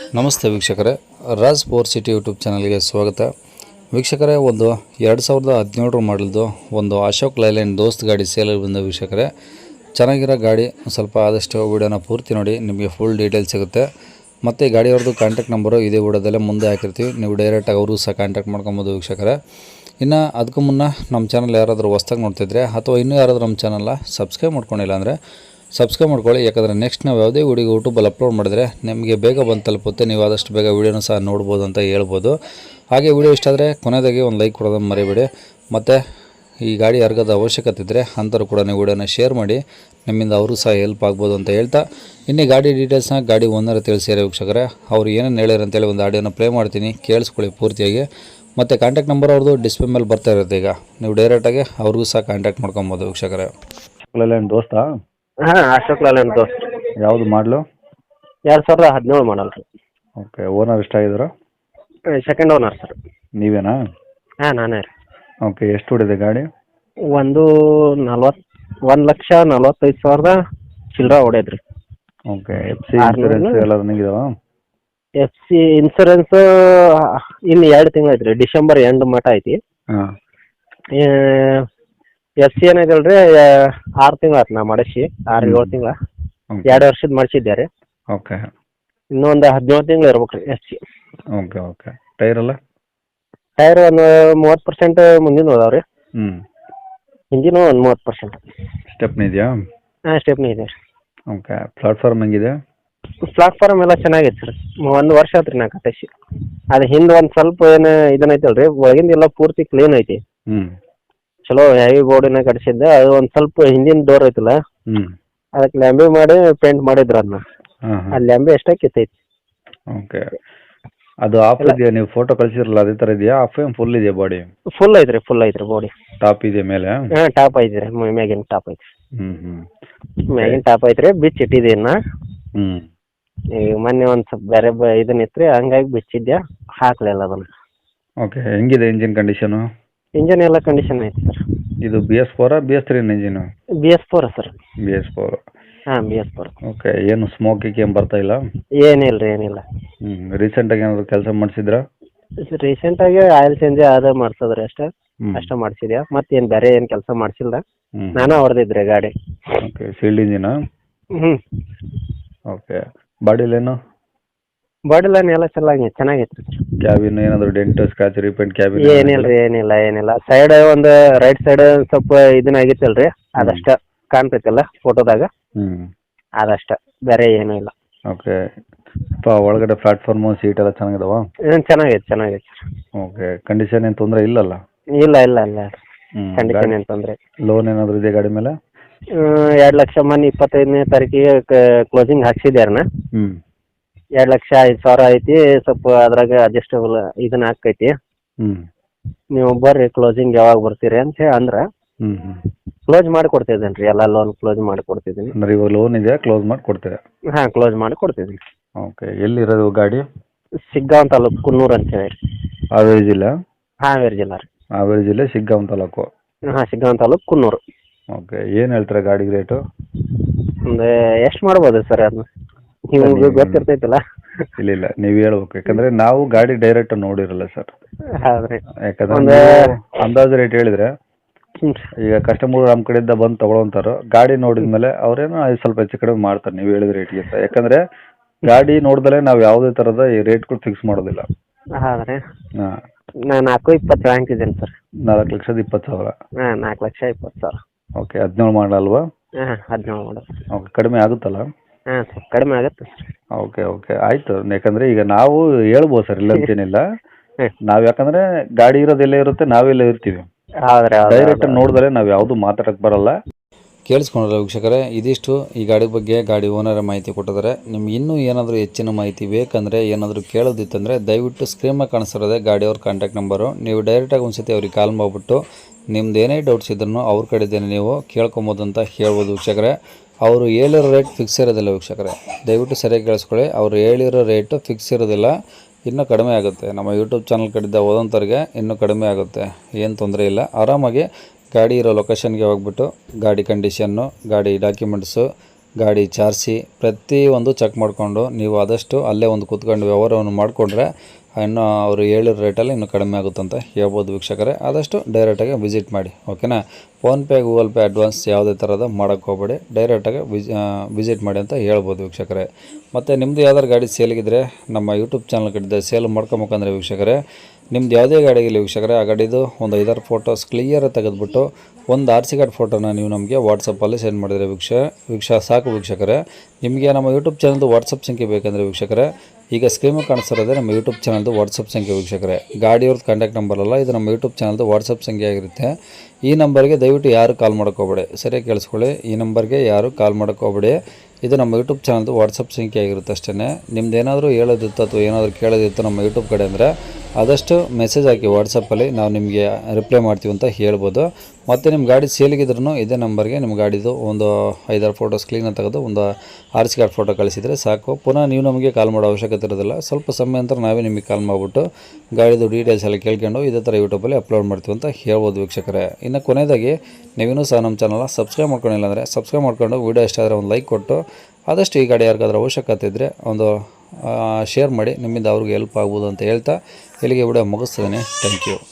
ನಮಸ್ತೆ ವೀಕ್ಷಕರೇ, Raj four city YouTube ಚಾನಲ್ಗೆ ಸ್ವಾಗತ. ವೀಕ್ಷಕರೇ, ಒಂದು 2017 ಮಾಡಲ್ದು ಒಂದು ಅಶೋಕ್ ಲೈಲ್ಯಾಂಡ್ ದೋಸ್ತ್ ಗಾಡಿ ಸೇಲಲ್ಲಿ ಬಂದ ವೀಕ್ಷಕರೇ. ಚೆನ್ನಾಗಿರೋ ಗಾಡಿ, ಸ್ವಲ್ಪ ಆದಷ್ಟು ವಿಡಿಯೋನ ಪೂರ್ತಿ ನೋಡಿ, ನಿಮಗೆ ಫುಲ್ ಡೀಟೇಲ್ಸ್ ಸಿಗುತ್ತೆ. ಮತ್ತು ಈ ಗಾಡಿಯವ್ರದ್ದು ಕಾಂಟ್ಯಾಕ್ಟ್ ನಂಬರು ಇದೇ ವಿಡಿಯೋದಲ್ಲೇ ಮುಂದೆ ಹಾಕಿರ್ತೀವಿ, ನೀವು ಡೈರೆಕ್ಟಾಗಿ ಅವರು ಸಹ ಕಾಂಟ್ಯಾಕ್ಟ್ ಮಾಡ್ಕೊಬೋದು ವೀಕ್ಷಕರೇ. ಇನ್ನು ಅದಕ್ಕೂ ಮುನ್ನ ನಮ್ಮ ಚಾನಲ್ ಯಾರಾದರೂ ಹೊಸ್ದಾಗಿ ನೋಡ್ತಿದ್ರೆ ಅಥವಾ ಇನ್ನೂ ಯಾರಾದರೂ ನಮ್ಮ ಚಾನಲ್ನ ಸಬ್ಸ್ಕ್ರೈಬ್ ಮಾಡ್ಕೊಂಡಿಲ್ಲ ಅಂದರೆ ಸಬ್ಸ್ಕ್ರೈಬ್ ಮಾಡ್ಕೊಳ್ಳಿ. ಯಾಕಂದರೆ ನೆಕ್ಸ್ಟ್ ನಾವು ಯಾವುದೇ ವಿಡಿಯೋ ಯೂಟ್ಯೂಬಲ್ಲಿ ಅಪ್ಲೋಡ್ ಮಾಡಿದ್ರೆ ನಿಮಗೆ ಬೇಗ ಬಂದು ತಲುಪುತ್ತೆ, ನೀವು ಆದಷ್ಟು ಬೇಗ ವೀಡಿಯೋನ ಸಹ ನೋಡ್ಬೋದು ಅಂತ ಹೇಳ್ಬೋದು. ಹಾಗೆ ವಿಡಿಯೋ ಇಷ್ಟ ಆದರೆ ಕೊನೆಯದಾಗಿ ಒಂದು ಲೈಕ್ ಕೊಡೋದನ್ನು ಮರಿಬೇಡಿ. ಮತ್ತು ಈ ಗಾಡಿ ಯಾರಿಗಾದ ಅವಶ್ಯಕತೆ ಇದ್ದರೆ ಅಂಥವ್ರು ಕೂಡ ನೀವು ವಿಡಿಯೋನ ಶೇರ್ ಮಾಡಿ, ನಿಮ್ಮಿಂದ ಅವರು ಸಹ ಹೆಲ್ಪ್ ಆಗ್ಬೋದು ಅಂತ ಹೇಳ್ತಾ, ಇನ್ನೇ ಗಾಡಿ ಡೀಟೇಲ್ಸ್ನ ಗಾಡಿ ಓನರ್ ತಿಳಿಸಿದ್ದಾರೆ ವೀಕ್ಷಕರೇ. ಅವ್ರು ಏನೇನು ಹೇಳ್ಯಾರ ಅಂತೇಳಿ ಒಂದು ಆಡಿಯೋನ ಪ್ಲೇ ಮಾಡ್ತೀನಿ, ಕೇಳಿಸ್ಕೊಳ್ಳಿ ಪೂರ್ತಿಯಾಗಿ. ಮತ್ತು ಕಾಂಟ್ಯಾಕ್ಟ್ ನಂಬರ್ ಅವ್ರದ್ದು ಡಿಸ್ಪ್ಲೇ ಮೇಲೆ ಬರ್ತಾ ಇರುತ್ತೆ, ಈಗ ನೀವು ಡೈರೆಕ್ಟಾಗಿ ಅವ್ರಿಗೂ ಸಹ ಕಾಂಟ್ಯಾಕ್ಟ್ ಮಾಡ್ಕೊಬೋದು ವೀಕ್ಷಕರೇ. ದೋಸ್ತಾ? ಹಾಂ, ಅಶೋಕ್ ಲೇಲ್ಯಾಂಡ್ ದೋಸ್ತ್. ಯಾವುದು ಮಾಡಲು? 2017 ಮಾಡಲ್ ರೀ. ಓಕೆ. ಓನರ್ ಎಷ್ಟಾಗಿದ್ರು? Second owner sir. ನೀವೇನಾ? ಹಾಂ, ನಾನೇ ರೀ. ಓಕೆ. ಎಷ್ಟು ಹೊಡಿದೆ ಗಾಡಿ? 1,45,000 ಚಿಲ್ಲರ ಹೊಡೆದ್ರಿ. ಓಕೆ. ಎಫ್ ಸಿ ಇನ್ಸೂರೆನ್ಸ್ ಎಲ್ಲ ರನ್ನಿಂಗ್ ಇದಾವ? ಎಫ್ ಸಿ ಇನ್ಸೂರೆನ್ಸ್ ಇನ್ನು 2 ತಿಂಗಳು ಐತ್ರಿ, ಡಿಸೆಂಬರ್ ಎಂಡ್ ಮಟ್ಟ ಐತಿ. ಹಾಂ. ಎಫ್ ಸಿ ಏನಾಗಲ್ಲ ರೀ, 6 ತಿಂಗಳು ಆಯ್ತು ನಾ ಮಾಡಿಸಿ, 6-7 ತಿಂಗಳ, 2 ವರ್ಷದ ಮಾಡಿಸಿದ್ದೆ ರೀ. ಓಕೆ. ಇನ್ನೊಂದು 17 ತಿಂಗಳು ಇರ್ಬೇಕು ರೀ ಎಫ್ ಸಿ. Okay okay. ಟೈರೆಲ್ಲ? ಟೈರ್ ಒಂದು 30% ಮುಂದಿನ ಹೋದಾವ ರೀ. ಇಂಜಿನು ಒಂದು 30%. ಸ್ಟೆಪ್ನಿ ಇದೆಯಾ? ಹಾಂ, ಸ್ಟೆಪ್ನಿ ಇದೆ ರೀ. ಓಕೆ. ಪ್ಲಾಟ್ಫಾರ್ಮ್ ಹೆಂಗಿದೆ? ಪ್ಲಾಟ್ಫಾರ್ಮ್ ಎಲ್ಲ ಚೆನ್ನಾಗೈತೆ ಸರ್. 1 ವರ್ಷ ಆಯ್ತು ರೀ ನಾ ಕಟ್ಟಿಸಿ. ಅದು ಹಿಂದೆ ಒಂದು ಸ್ವಲ್ಪ ಏನು ಇದನ್ನೈತಲ್ಲ ರೀ, ಒಳಗಿಂದ ಎಲ್ಲ ಪೂರ್ತಿ ಕ್ಲೀನ್ ಐತಿ. ಚಲೋ ಹೆವಿ ಬೋರ್ಡಿನ ಕಟ್ಸಿದ್ದೆ. ಅದು ಒಂದು ಸ್ವಲ್ಪ ಹಿಂದಿನ ಡೋರ್ ಐತಲ್ಲ, ಅದಕ್ಕೆ ಲ್ಯಾಂಬೆ ಮಾಡಿ ಪೇಂಟ್ ಮಾಡಿದ್ರು ಅದನ್ನ. ಆ ಲ್ಯಾಂಬೆ ಎಷ್ಟೇ ಕಿತ್ತೈತಿ. ಓಕೆ. ಅದು ಆಫ್ ಇದೆಯಾ? ನೀವು ಫೋಟೋ ಕಳಿಸಿರಲ್ಲ ಅದೇ ಥರ ಇದೆಯಾ? ಆಫ್ ಏನು ಫುಲ್ ಇದೆಯಾ ಬಾಡಿ? ಫುಲ್ ಐತ್ರಿ, ಫುಲ್ ಐತ್ರಿ ಬಾಡಿ. ಟಾಪ್ ಇದೆ ಮೇಲೆ? ಹಾಂ, ಟಾಪ್ ಐತ್ರಿ, ಮ್ಯಾಗಿನ ಟಾಪ್ ಐತಿ. ಹ್ಞೂ. ಮ್ಯಾಗಿನ ಟಾಪ್ ಐತ್ರಿ, ಬಿಚ್ಚಿ ಇಟ್ಟಿದೆ ಇನ್ನ. ಹ್ಞೂ. ಈಗ ಮೊನ್ನೆ ಒಂದು ಸ್ವಲ್ಪ ಬೇರೆ ಇದನ್ನ ಇತ್ತು ರೀ, ಹಂಗಾಗಿ ಬಿಚ್ಚಿದ್ದೆ, ಹಾಕ್ಲಿಲ್ಲ ಅದನ್ನ. ಓಕೆ. ಹೆಂಗಿದೆ ಇಂಜಿನ್ ಕಂಡೀಷನು? ಇಂಜನ್ ಎಲ್ಲ ಕಂಡೀಷನ್ ಐತಿ ಸರ್. ಇದು BS4 BS3 engine? BS4 sir. BS4. ಹಾಂ, BS4. ಓಕೆ. ಏನು ಸ್ಮೋಕಿಂಗ್ ಏನು ಬರ್ತಾ ಇಲ್ಲ? ಏನಿಲ್ಲ ರೀ, ಏನಿಲ್ಲ. ರೀಸೆಂಟಾಗಿ ಏನಾದರೂ ಕೆಲಸ ಮಾಡಿಸಿದ್ರಾ? ರೀಸೆಂಟಾಗಿ ಆಯಿಲ್ ಚೇಂಜ್ ಅದೇ ಮಾಡ್ಸೋದ್ರಿ ಅಷ್ಟೇ ಮಾಡಿಸಿದ್ಯಾ. ಮತ್ತೇನು ಬೇರೆ ಏನು ಕೆಲಸ ಮಾಡಿಸಿಲ್ಲ, ನಾನೇ ಹೊಡೆದಿದ್ರಿ ಗಾಡಿ. ಓಕೆ. ಸೀಲ್ಡ್ ಇಂಜಿನಾ? ಹ್ಞೂ. ಓಕೆ. ಬಾಡಿಲೇನು? ಬಾಡಿ ಲೈನ್ ಎಲ್ಲ ಚೆನ್ನಾಗೈತೆ ರೀ. ಕ್ಯಾಬಿನ್ ಏನಾದರೂ ಡೆಂಟ್ ಸ್ಕ್ರಾಚ್ ರೀಪೇಂಟ್ ಕ್ಯಾಬಿನ್? ಏನಿಲ್ಲ ರೀ, ಏನಿಲ್ಲ. ಸೈಡ್ ಒಂದು ರೈಟ್ ಸೈಡ್ ಸ್ವಲ್ಪ ಇದನ್ನ ಆಗೈತಲ್ಲ ರೀ, ಅದಷ್ಟ ಕಾಣ್ತೈತಲ್ಲ ಫೋಟೋದಾಗ, ಅದಷ್ಟ, ಬೇರೆ ಏನೂ ಇಲ್ಲ. ಓಕೆ. ಒಳಗಡೆ ಪ್ಲಾಟ್ಫಾರ್ಮು ಸೀಟ್ ಎಲ್ಲ ಚೆನ್ನಾಗಿದಾವ? ಚೆನ್ನಾಗೈತೆ ಸರ್. ಓಕೆ. ಕಂಡೀಷನ್ ಏನು ತೊಂದರೆ ಇಲ್ಲಲ್ಲ? ಇಲ್ಲ. ಕಂಡೀಷನ್ ಏನು ತೊಂದರೆ. ಲೋನ್ ಏನಾದರೂ ಇದೆ ಗಾಡಿ ಮೇಲೆ? 2 ಲಕ್ಷ ಮೊನ್ನೆ 25ನೇ ತಾರೀಕಿಗೆ ಕ್ಲೋಸಿಂಗ್ ಹಾಕ್ಸಿದ್ಯಾರನ. 2,05,000 ಐತಿ. ಸ್ವಲ್ಪ ಅದ್ರಾಗ ಅಡ್ಜಸ್ಟಬಲ್ ಇದನ್ನ ಹಾಕೈತಿ. ನೀವು ಬರ್ರಿ, ಕ್ಲೋಸಿಂಗ್ ಯಾವಾಗ ಬರ್ತೀರಿ ಅಂತ ಹೇಳಿ ಅಂದ್ರೆ ಕ್ಲೋಸ್ ಮಾಡಿ ಕೊಡ್ತಿದ್ದೇನೆ ರೀ, ಎಲ್ಲ ಲೋನ್ ಕ್ಲೋಸ್ ಮಾಡಿ ಕೊಡ್ತಿದ್ದೀನಿ. ಅಂದ್ರೆ ಇವಾಗ ಲೋನ್ ಇದೆ, ಕ್ಲೋಸ್ ಮಾಡಿ ಕೊಡ್ತೀರಾ? ಹಾಂ, ಕ್ಲೋಸ್ ಮಾಡಿ ಕೊಡ್ತಿದ್ದೀನಿ. ಓಕೆ. ಎಲ್ಲಿರೋದು ಗಾಡಿ? ಶಿಗ್ಗಾಂವ್ ತಾಲೂಕು, ಕುನ್ನೂರು ಅಂತ ಹೇಳಿ. ಹಾವೇರಿ ಜಿಲ್ಲೆ? ಹಾವೇರಿ ಜಿಲ್ಲಾ ರೀ. ಹಾವೇರಿ ಜಿಲ್ಲೆ ಶಿಗ್ಗಾಂವ್ ತಾಲೂಕು? ಹಾಂ, ಶಿಗ್ಗಾಂವ್ ತಾಲೂಕು, ಕುನ್ನೂರು. ಓಕೆ. ಏನು ಹೇಳ್ತೀರಾ ಗಾಡಿಗೆ ರೇಟು? ಒಂದು ಎಷ್ಟು ಮಾಡ್ಬೋದು ಸರ್ ಅದನ್ನ? ನಿಮ್ಗೆ ಗೊತ್ತಿರ್ತೈತಲ್ಲ. ಇಲ್ಲ, ನೀವು ಹೇಳ್ಬೇಕು, ಯಾಕಂದ್ರೆ ನಾವು ಗಾಡಿ ಡೈರೆಕ್ಟ್ ನೋಡಿರಲ್ಲ ಸರ್. ಹೌದ್ರಿ. ಯಾಕಂದ್ರೆ ಅಂದಾಜು ರೇಟ್ ಹೇಳಿದ್ರೆ ಈಗ ಕಸ್ಟಮರ್ ನಮ್ಮ ಕಡೆಯಿಂದ ಬಂದು ತಗೊಳಂತಾರೋ, ಗಾಡಿ ನೋಡಿದ್ಮೇಲೆ ಅವ್ರೇನೋ ಸ್ವಲ್ಪ ಹೆಚ್ಚು ಕಡಿಮೆ ಮಾಡ್ತಾರೆ ನೀವು ಹೇಳಿದ ರೇಟ್ಗಿಂತ. ಯಾಕಂದ್ರೆ ಗಾಡಿ ನೋಡಿದ್ರೆ ನಾವು ಯಾವುದೇ ಥರದ ಈ ರೇಟ್ಗಳು ಫಿಕ್ಸ್ ಮಾಡೋದಿಲ್ಲ. ಹೌದ್ರಿ. ಹಾಂ. ನಾನು 4,20,000 ಹಾಕಿದ್ದೀನಿ ಸರ್. 4,20,000? ಹಾಂ, 4,20,000. ಓಕೆ. 17 ಮಾಡಲ್ವಾ? ಹಾಂ, 17 ಮಾಡಲ್. ಓಕೆ. ಕಡಿಮೆ ಆಗುತ್ತಲ್ಲ? ಹಾಂ ಸರ್, ಕಡಿಮೆ ಆಗುತ್ತೆ ಸರ್. ಓಕೆ ಆಯಿತು. ಯಾಕಂದರೆ ಈಗ ನಾವು ಹೇಳ್ಬೋದು ಸರ್, ಇಲ್ಲ ಅಂತೇನಿಲ್ಲ. ನಾವು ಯಾಕಂದರೆ ಗಾಡಿ ಇರೋದೆಲ್ಲ ಇರುತ್ತೆ, ನಾವೆಲ್ಲ ಇರ್ತೀವಿ. ಡೈರೆಕ್ಟ್ ನೋಡಿದ್ರೆ ನಾವು ಯಾವುದು ಮಾತಾಡಕ್ಕೆ ಬರಲ್ಲ. ಕೇಳಿಸ್ಕೊಂಡ್ರಲ್ಲ ವೀಕ್ಷಕರೇ, ಇದಿಷ್ಟು ಈ ಗಾಡಿ ಬಗ್ಗೆ ಗಾಡಿ ಓನರ ಮಾಹಿತಿ ಕೊಟ್ಟಿದ್ದಾರೆ. ನಿಮ್ಗೆ ಇನ್ನೂ ಏನಾದರೂ ಹೆಚ್ಚಿನ ಮಾಹಿತಿ ಬೇಕಂದರೆ, ಏನಾದರೂ ಕೇಳೋದಿತ್ತಂದರೆ ದಯವಿಟ್ಟು ಸ್ಕ್ರೀನ್ ಮೇಲೆ ಕಾಣಿಸ್ತಿರೋದೆ ಗಾಡಿಯವ್ರ ಕಾಂಟ್ಯಾಕ್ಟ್ ನಂಬರು. ನೀವು ಡೈರೆಕ್ಟಾಗಿ ಒಂದ್ಸತಿ ಅವ್ರಿಗೆ ಕಾಲ್ ಮಾಡಿಬಿಟ್ಟು ನಿಮ್ದು ಏನೇ ಡೌಟ್ಸ್ ಇದ್ರೂ ಅವ್ರ ಕಡೆದೇನೆ ನೀವು ಕೇಳ್ಕೊಬೋದು ಅಂತ ಹೇಳ್ಬೋದು ವೀಕ್ಷಕರೇ. ಅವರು ಹೇಳಿರೋ ರೇಟ್ ಫಿಕ್ಸ್ ಇರೋದಿಲ್ಲ ವೀಕ್ಷಕರೇ, ದಯವಿಟ್ಟು ಸರಿಯಾಗಿ ಕೇಳಿಸ್ಕೊಳ್ಳಿ. ಅವರು ಹೇಳಿರೋ ರೇಟು ಫಿಕ್ಸ್ ಇರೋದಿಲ್ಲ, ಇನ್ನೂ ಕಡಿಮೆ ಆಗುತ್ತೆ. ನಮ್ಮ ಯೂಟ್ಯೂಬ್ ಚಾನಲ್ ಕಡೆಯಿಂದ ಓದೋಂಥವ್ರಿಗೆ ಇನ್ನೂ ಕಡಿಮೆ ಆಗುತ್ತೆ, ಏನು ತೊಂದರೆ ಇಲ್ಲ. ಆರಾಮಾಗಿ ಗಾಡಿ ಇರೋ ಲೊಕೇಶನ್ಗೆ ಹೋಗ್ಬಿಟ್ಟು ಗಾಡಿ ಕಂಡೀಷನ್ನು, ಗಾಡಿ ಡಾಕ್ಯುಮೆಂಟ್ಸು, ಗಾಡಿ ಚಾರ್ಜಿ ಪ್ರತಿಯೊಂದು ಚೆಕ್ ಮಾಡಿಕೊಂಡು ನೀವು ಆದಷ್ಟು ಅಲ್ಲೇ ಒಂದು ಕೂತ್ಕೊಂಡು ವ್ಯವಹಾರವನ್ನು ಮಾಡಿಕೊಂಡ್ರೆ ಇನ್ನು ಅವರು ಹೇಳಿರೋ ರೇಟಲ್ಲಿ ಇನ್ನೂ ಕಡಿಮೆ ಆಗುತ್ತೆ ಅಂತ ಹೇಳ್ಬೋದು ವೀಕ್ಷಕರೇ. ಆದಷ್ಟು ಡೈರೆಕ್ಟಾಗಿ ವಿಸಿಟ್ ಮಾಡಿ, ಓಕೆನಾ. ಫೋನ್ಪೇ ಗೂಗಲ್ ಪೇ ಅಡ್ವಾನ್ಸ್ ಯಾವುದೇ ಥರದ ಮಾಡೋಕ್ಕೆ ಹೋಗಬೇಡಿ, ಡೈರೆಕ್ಟಾಗಿ ವಿಸಿಟ್ ಮಾಡಿ ಅಂತ ಹೇಳ್ಬೋದು ವೀಕ್ಷಕರೇ. ಮತ್ತು ನಿಮ್ಮದು ಯಾವ್ದಾರು ಗಾಡಿ ಸೇಲಿಗಿದ್ರೆ ನಮ್ಮ ಯೂಟ್ಯೂಬ್ ಚಾನಲ್ ಕಡೆ ಸೇಲ್ ಮಾಡ್ಕೊಬೇಕಂದ್ರೆ ವೀಕ್ಷಕರೇ, ನಿಮ್ದು ಯಾವುದೇ ಗಾಡಿಗಿಲ್ಲ ವೀಕ್ಷಕರೇ, ಆ ಗಾಡಿದು ಒಂದು 5-6 ಫೋಟೋಸ್ ಕ್ಲಿಯರ್ ತೆಗೆದುಬಿಟ್ಟು ಒಂದು RC ಕಾರ್ಡ್ ಫೋಟೋನ ನೀವು ನಮಗೆ ವಾಟ್ಸಪ್ಪಲ್ಲಿ ಸೆಂಡ್ ಮಾಡಿದರೆ ಸಾಕು ವೀಕ್ಷಕರೇ. ನಿಮಗೆ ನಮ್ಮ ಯೂಟ್ಯೂಬ್ ಚಾನಲ್ದು ವಾಟ್ಸಪ್ ಸಂಖ್ಯೆ ಬೇಕಂದರೆ ವೀಕ್ಷಕರೇ, ಈಗ ಸ್ಕ್ರೀನು ಕಾಣಿಸ್ತಿರೋದೇ ನಮ್ಮ ಯೂಟ್ಯೂಬ್ ಚಾನಲ್ದು ವಾಟ್ಸಪ್ ಸಂಖ್ಯೆ ವೀಕ್ಷಕರೇ. ಗಾಡಿಯವ್ರದ್ದು ಕಾಂಟ್ಯಾಕ್ಟ್ ನಂಬರ್ ಅಲ್ಲ, ಇದು ನಮ್ಮ ಯೂಟ್ಯೂಬ್ ಚಾನಲ್ದು ವಾಟ್ಸಪ್ ಸಂಖ್ಯೆ ಆಗಿರುತ್ತೆ. ಈ ನಂಬರ್ಗೆ ದಯವಿಟ್ಟು ಯಾರು ಕಾಲ್ ಮಾಡೋಕ್ಕೋಗ್ಬೇಡಿ, ಸರಿಯಾಗಿ ಕೇಳಿಸ್ಕೊಳ್ಳಿ. ಈ ನಂಬರ್ಗೆ ಯಾರು ಕಾಲ್ ಮಾಡೋಕ್ಕೋಗ್ಬೇಡಿ, ಇದು ನಮ್ಮ ಯೂಟ್ಯೂಬ್ ಚಾನಲ್ದು ವಾಟ್ಸಪ್ ಸಂಖ್ಯೆ ಆಗಿರುತ್ತೆ ಅಷ್ಟೇ. ನಿಮ್ದು ಏನಾದರೂ ಹೇಳೋದಿತ್ತು ಅಥವಾ ಏನಾದರೂ ಕೇಳೋದಿತ್ತು ನಮ್ಮ ಯೂಟ್ಯೂಬ್ ಕಡೆ ಅಂದರೆ ಆದಷ್ಟು ಮೆಸೇಜ್ ಹಾಕಿ ವಾಟ್ಸಪ್ಪಲ್ಲಿ, ನಾವು ನಿಮಗೆ ರಿಪ್ಲೈ ಮಾಡ್ತೀವಿ ಅಂತ ಹೇಳ್ಬೋದು. ಮತ್ತು ನಿಮ್ಮ ಗಾಡಿ ಸೇಲಿಗಿದ್ರೂ ಇದೇ ನಂಬರ್ಗೆ ನಿಮ್ಮ ಗಾಡಿದು ಒಂದು 5-6 ಫೋಟೋಸ್ ಕ್ಲೀನಾಗಿ ತೆಗೆದು ಒಂದು RC ಕಾರ್ಡ್ ಫೋಟೋ ಕಳಿಸಿದರೆ ಸಾಕು. ಪುನಃ ನೀವು ನಮಗೆ ಕಾಲ್ ಮಾಡೋ ಅವಶ್ಯಕತೆ ಇರೋದಿಲ್ಲ, ಸ್ವಲ್ಪ ಸಮಯ ನಂತರ ನಾವೇ ನಿಮಗೆ ಕಾಲ್ ಮಾಡಿಬಿಟ್ಟು ಗಾಡಿದು ಡೀಟೇಲ್ಸ್ ಎಲ್ಲ ಕೇಳ್ಕೊಂಡು ಇದೇ ಥರ ಯೂಟ್ಯೂಬಲ್ಲಿ ಅಪ್ಲೋಡ್ ಮಾಡ್ತೀವಿ ಅಂತ ಹೇಳ್ಬೋದು ವೀಕ್ಷಕರೇ. ಇನ್ನು ಕೊನೆಯದಾಗಿ ನೀವೇನೂ ಸಹ ನಮ್ಮ ಚಾನಲ್ನ ಸಬ್ಸ್ಕ್ರೈಬ್ ಮಾಡ್ಕೊಂಡಿಲ್ಲ ಅಂದರೆ ಸಬ್ಸ್ಕ್ರೈಬ್ ಮಾಡ್ಕೊಂಡು ವೀಡಿಯೋ ಇಷ್ಟ ಆದರೆ ಒಂದು ಲೈಕ್ ಕೊಟ್ಟು ಆದಷ್ಟು ಈ ಗಾಡಿ ಯಾರಿಗಾದ್ರೂ ಅವಶ್ಯಕತೆ ಇದ್ದರೆ ಒಂದು ಶೇರ್ ಮಾಡಿ, ನಿಮ್ಮಿಂದ ಅವ್ರಿಗೆ ಹೆಲ್ಪ್ ಆಗ್ಬೋದು ಅಂತ ಹೇಳ್ತಾ ಇಲ್ಲಿಗೆ ವಿಡಿಯೋ ಮುಗಿಸ್ತೇನೆ. Thank you.